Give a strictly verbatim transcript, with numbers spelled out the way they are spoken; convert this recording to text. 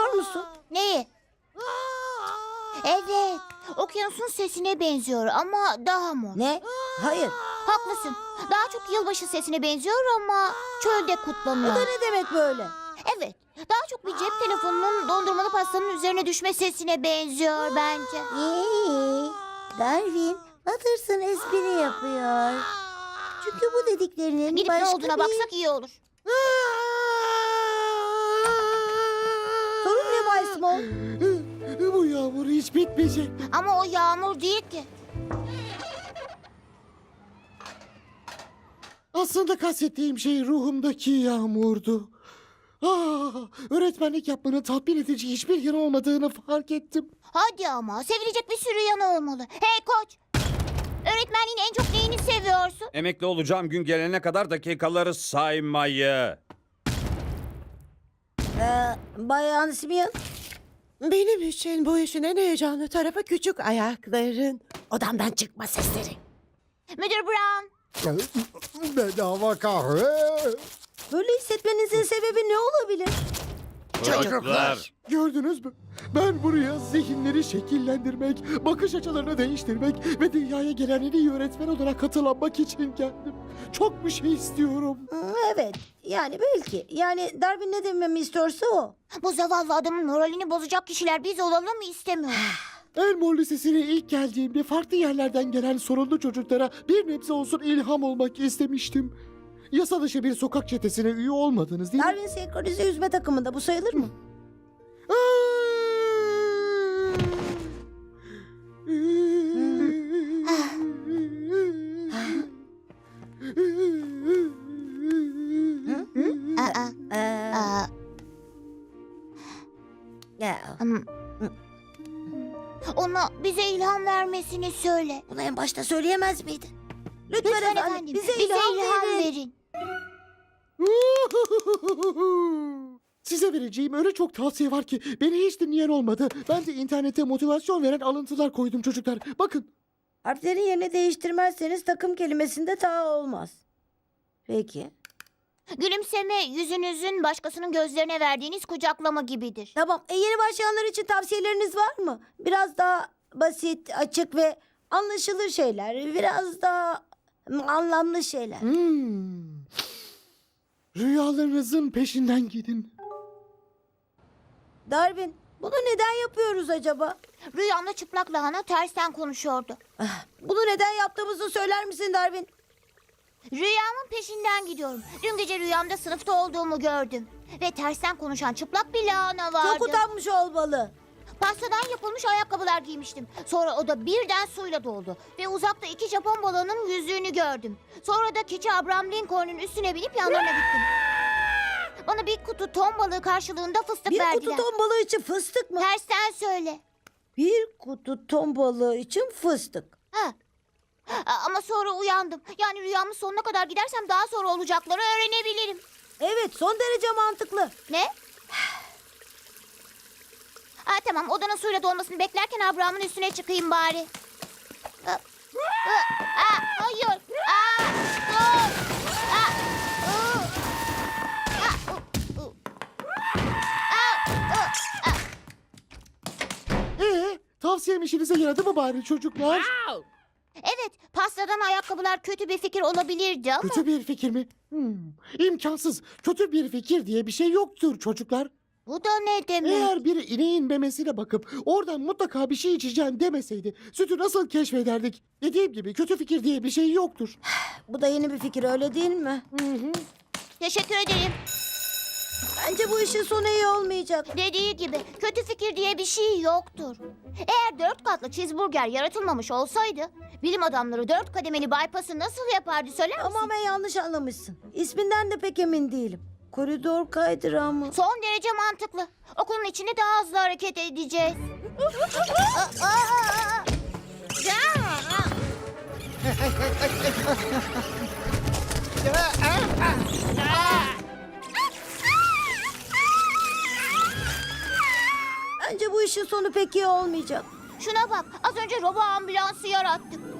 duyuyor musun? Neyi? Evet, okyanusun sesine benziyor ama daha mor. Ne? Hayır. Haklısın. Daha çok yılbaşı sesine benziyor ama çölde Bu kutlanıyor. da ne demek böyle? Evet, daha çok bir cep telefonunun dondurmalı pastanın üzerine düşme sesine benziyor bence. Hey, Darwin, Watterson espri yapıyor. Çünkü bu dediklerinin Gidip başka ne olduğuna bir... baksak iyi olur. Sorun ne Bay Small? Bu yağmur hiç bitmeyecek. Ama o yağmur değil ki. Aslında kastettiğim şey ruhumdaki yağmurdu. Ah, öğretmenlik yapmanın tatmin edici hiçbir yanı olmadığını fark ettim. Hadi ama, sevilecek bir sürü yanı olmalı. Hey koç, öğretmenliğin en çok neyini seviyorsun? Emekli olacağım gün gelene kadar dakikaları saymayı. Ee, Bayan Simeon, Benim için bu işin en heyecanlı tarafı küçük ayakların odamdan çıkma sesleri. Müdür Brown, Bedava kahve. böyle hissetmenizin sebebi ne olabilir? Çocuklar. Gördünüz mü? Ben buraya zihinleri şekillendirmek, bakış açılarını değiştirmek ve dünyaya gelen en iyi öğretmen olarak katılanmak için geldim. Çok bir şey istiyorum. Hmm, Evet, yani belki. Yani Darwin ne dememi istiyorsa o. bu zavallı adamın moralini bozacak kişiler biz olalım mı istemiyorum. Elmore Lisesi'ne ilk geldiğimde farklı yerlerden gelen sorunlu çocuklara bir nebze olsun ilham olmak istemiştim. Yasa dışı bir sokak çetesine üye olmadınız değil mi? Darwin senkronize yüzme takımında bu sayılır mı? Aa, Ee, aa, ya, hmm. Ona bize ilham vermesini söyle. bunu en başta söyleyemez miydin? Lütfen, Lütfen efendim, efendim, bize, ilham, verin. verin. Size vereceğim öyle çok tavsiye var ki beni hiç dinleyen olmadı. Ben de internete motivasyon veren alıntılar koydum çocuklar. Bakın. Harflerin yerini değiştirmezseniz takım kelimesinde ta olmaz. Peki. Gülümseme yüzünüzün başkasının gözlerine verdiğiniz kucaklama gibidir. Tamam. E, yeni başlayanlar için tavsiyeleriniz var mı? Biraz daha basit, açık ve anlaşılır şeyler. Biraz daha hmm, anlamlı şeyler. Hmm. Rüyalarınızın peşinden gidin. Darwin, bunu neden yapıyoruz acaba? Rüyamda çıplak lahana tersten konuşuyordu. Ah, Bunu neden yaptığımızı söyler misin Darwin? Rüyamın peşinden gidiyorum. Dün gece rüyamda sınıfta olduğumu gördüm. Ve tersten konuşan çıplak bir lahana vardı. Çok utanmış olmalı. Pastadan yapılmış ayakkabılar giymiştim. Sonra o da birden suyla doldu. Ve uzakta iki Japon balığının yüzüğünü gördüm. Sonra da keçi Abraham Lincoln'un üstüne binip yanlarına gittim. Bana bir kutu ton balığı karşılığında fıstık Bir verdiler. kutu ton balığı için fıstık mı? Tersten söyle. Bir kutu ton balığı için fıstık. Ha. A- Ama sonra uyandım. Yani rüyamın sonuna kadar gidersem daha sonra olacakları öğrenebilirim. Evet, son derece mantıklı. Ne? Ha, tamam, odanın suyla dolmasını beklerken Abraham'ın üstüne çıkayım bari. Aa, aa, hayır. Aa, dur. Aa, uu. Aa, u, u. Aa, u, aa. Ee, tavsiyem işinize yaradı mı bari çocuklar? Evet, pastadan ayakkabılar kötü bir fikir olabilirdi ama... Kötü bir fikir mi? Hmm, imkansız. Kötü bir fikir diye bir şey yoktur çocuklar. Bu da ne demek? Eğer biri ineğin memesine bakıp oradan mutlaka bir şey içeceğim demeseydi sütü nasıl keşfederdik? Dediğim gibi kötü fikir diye bir şey yoktur. Bu da yeni bir fikir, öyle değil mi? Hı hı. Teşekkür ederim. Bence bu işin sonu iyi olmayacak. Dediği gibi kötü fikir diye bir şey yoktur. Eğer dört katlı cheeseburger yaratılmamış olsaydı... ...bilim adamları dört kademeli bypass'ı nasıl yapardı söyler misin? Tamamen yanlış anlamışsın. İsminden de pek emin değilim. Koridor kaydırağı mı? Son derece mantıklı. Okulun içinde daha hızlı hareket edeceğiz. Aa, aa, aa. Ya! Bence bu işin sonu pek iyi olmayacak. Şuna bak, az önce robo ambulansı yarattık.